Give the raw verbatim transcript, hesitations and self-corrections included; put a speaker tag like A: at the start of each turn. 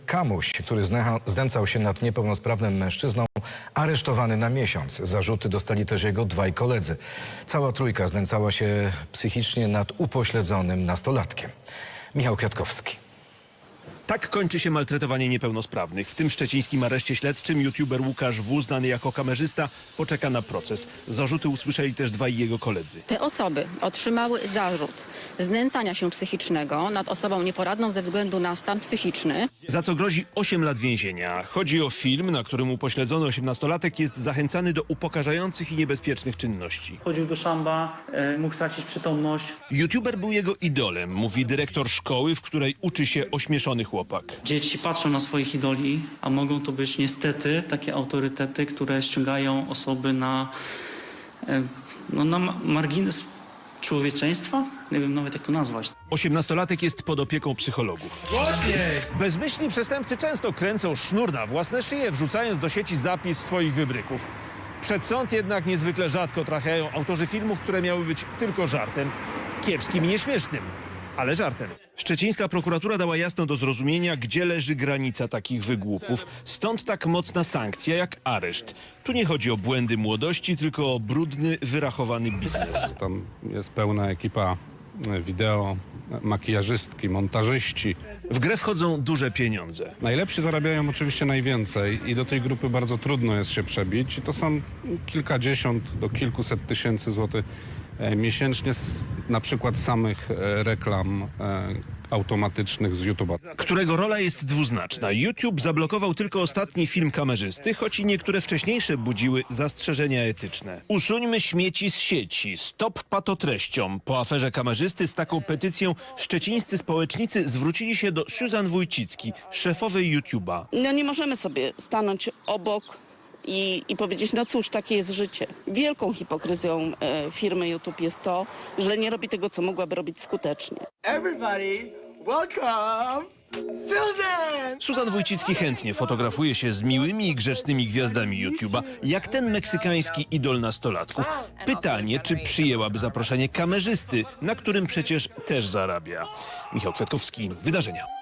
A: Kamuś, który znęcał się nad niepełnosprawnym mężczyzną, aresztowany na miesiąc. Zarzuty dostali też jego dwaj koledzy. Cała trójka znęcała się psychicznie nad upośledzonym nastolatkiem. Michał Kwiatkowski.
B: Tak kończy się maltretowanie niepełnosprawnych. W tym szczecińskim areszcie śledczym youtuber Łukasz W., znany jako kamerzysta, poczeka na proces. Zarzuty usłyszeli też dwaj jego koledzy.
C: Te osoby otrzymały zarzut znęcania się psychicznego nad osobą nieporadną ze względu na stan psychiczny.
B: Za co grozi osiem lat więzienia. Chodzi o film, na którym upośledzony osiemnastolatek jest zachęcany do upokarzających i niebezpiecznych czynności.
D: Chodził do szamba, e, mógł stracić przytomność.
B: Youtuber był jego idolem, mówi dyrektor szkoły, w której uczy się ośmieszony chłopak.
D: Dzieci patrzą na swoich idoli, a mogą to być niestety takie autorytety, które ściągają osoby na, e, no, na margines człowieczeństwa. Nie wiem nawet jak to nazwać.
B: Osiemnastolatek jest pod opieką psychologów. Bezmyślni przestępcy często kręcą sznur na własne szyje, wrzucając do sieci zapis swoich wybryków. Przed sąd jednak niezwykle rzadko trafiają autorzy filmów, które miały być tylko żartem. Kiepskim i nieśmiesznym, ale żartem. Szczecińska prokuratura dała jasno do zrozumienia, gdzie leży granica takich wygłupów. Stąd tak mocna sankcja jak areszt. Tu nie chodzi o błędy młodości, tylko o brudny, wyrachowany biznes.
E: Tam jest pełna ekipa wideo, makijażystki, montażyści.
B: W grę wchodzą duże pieniądze.
E: Najlepsi zarabiają oczywiście najwięcej i do tej grupy bardzo trudno jest się przebić. I to są kilkadziesiąt do kilkuset tysięcy złotych miesięcznie z na przykład samych reklam automatycznych z YouTube'a.
B: Którego rola jest dwuznaczna. YouTube zablokował tylko ostatni film kamerzysty, choć i niektóre wcześniejsze budziły zastrzeżenia etyczne. Usuńmy śmieci z sieci, stop patotreściom. Po aferze kamerzysty z taką petycją szczecińscy społecznicy zwrócili się do Susan Wójcicki, szefowej YouTube'a.
F: No nie możemy sobie stanąć obok I, i powiedzieć, no cóż, takie jest życie. Wielką hipokryzją e, firmy YouTube jest to, że nie robi tego, co mogłaby robić skutecznie.
G: Everybody, welcome Susan!
B: Susan Wójcicki chętnie fotografuje się z miłymi i grzecznymi gwiazdami YouTube'a, jak ten meksykański idol nastolatków. Pytanie, czy przyjęłaby zaproszenie kamerzysty, na którym przecież też zarabia. Michał Kwiatkowski, Wydarzenia.